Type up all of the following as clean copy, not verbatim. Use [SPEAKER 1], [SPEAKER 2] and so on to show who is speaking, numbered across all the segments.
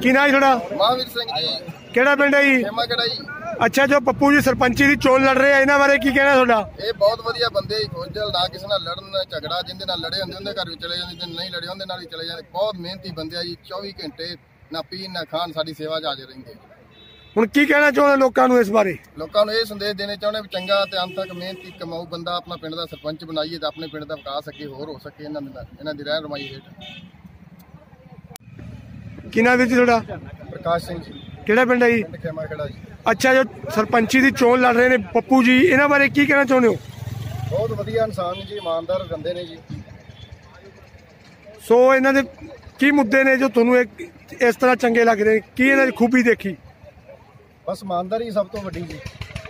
[SPEAKER 1] की नाम थोड़ा?
[SPEAKER 2] महावीर सिंह जी।
[SPEAKER 1] केड़ा पिंड है जी?
[SPEAKER 2] खेमागढ़ जी।
[SPEAKER 1] अच्छा, जो पप्पू जी सरपंची की चोन लड़ रहे हैं, इन्हां बारे की कहना थोड़ा?
[SPEAKER 2] ये बहुत वधिया बंदे जी, खुशदिल ना किसी नाल लड़न झगड़ा, जिंदे नाल लड़े होंदे उनदे घर भी चले जांदे, जिंदे नहीं लड़े उनदे नाल भी चले जांदे। बहुत मेहनती बंदे जी, 24 घंटे ना पीन ना खान साडी सेवा च हाजिर रहिंदे।
[SPEAKER 1] हुण की कहना चाहुंदे लोकां नूं इस बारे?
[SPEAKER 2] लोकां नूं ये संदेश देने चाहुंदे भी चंगा ते अंत तक मेहनती कमाऊ बंदा अपना पिंड दा सरपंच बनाईए ते अपने पिंड दा विकास अगे होर हो सके। इन्हां दी रहन रमाई हेठ।
[SPEAKER 1] की नाम है जी थोड़ा?
[SPEAKER 2] प्रकाश सिंह जी।
[SPEAKER 1] केड़ा पिंड है जी?
[SPEAKER 2] पिंड खेमागढ़ जी।
[SPEAKER 1] अच्छा, जो सरपंची की चोन लड़ रहे हैं पप्पू जी, इन्हां बारे की कहना चाहुंदे हो?
[SPEAKER 2] बहुत वधिया इंसान जी, ईमानदार बंदे ने जी।
[SPEAKER 1] सो इन्हां दे की मुद्दे ने जो तुहानूं इस तरह चंगे लग रहे? की इन्हां दी खूबी देखी?
[SPEAKER 2] बस ईमानदारी सब तो वड्डी जी।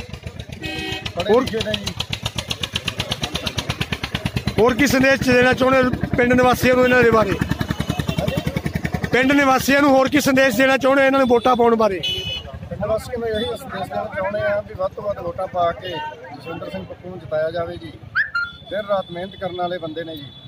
[SPEAKER 1] और की संदेश देना चाहुंदे पिंड निवासियों इन्हां दे बारे? पिंड निवासियों नूं होर की संदेश देना चाहुंदे इन्हां नूं वोटां पाउण बारे?
[SPEAKER 2] पिंड वासियों नूं यही संदेश देना चाहुंदे आ भी वध तो वध वोटां पा के जसविंदर सिंह पप्पू नूं जिताया जावे जी। दिन रात मेहनत करने वाले बंदे ने जी।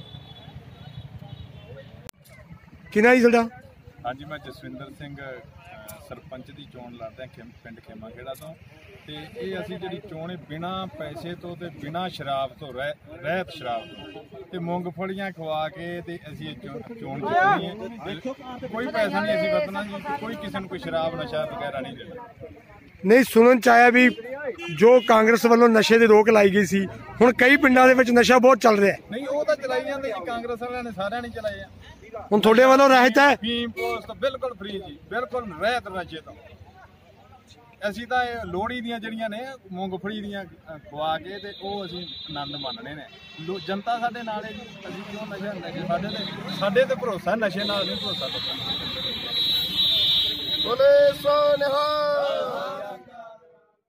[SPEAKER 1] की नाम जी तुहाडा?
[SPEAKER 3] हाँ जी, मैं जसविंदर सिंह सरपंच की चोन लड़दा पिंड खेमाखेड़ा तो ये असी जी चोण बिना पैसे तो ते बिना शराब तो रहत शराब तो मूंगफलियां खवा के असी चोण जितनी है। कोई पैसा नहीं असी वरतना जी, कोई किसी को कोई शराब नशा वगैरह नहीं देना।
[SPEAKER 1] नहीं, सुनन च आया भी जो कांग्रेस वालों नशे की रोक लाई गई सी, हुण कई पिंडां दे विच नशा बहुत चल रहा है।
[SPEAKER 3] नहीं, वो तो चलाई जाते जी, कांग्रेस वालों ने सारे नहीं चलाए।
[SPEAKER 1] हुण तुहाडे वालों रहत है?
[SPEAKER 3] फीम पोस्ट बिल्कुल फ्री जी, बिल्कुल रहत नशे तो। असी तो लोहड़ी दियां जड़ियां ने मूंगफली दियां खवा के ते ओ असी आनंद मानने ने। जनता साडे नाल है जी, असी क्यों नशे साडे ते भरोसा, नशे नाल नहीं भरोसा।
[SPEAKER 2] बोले सो निहाल।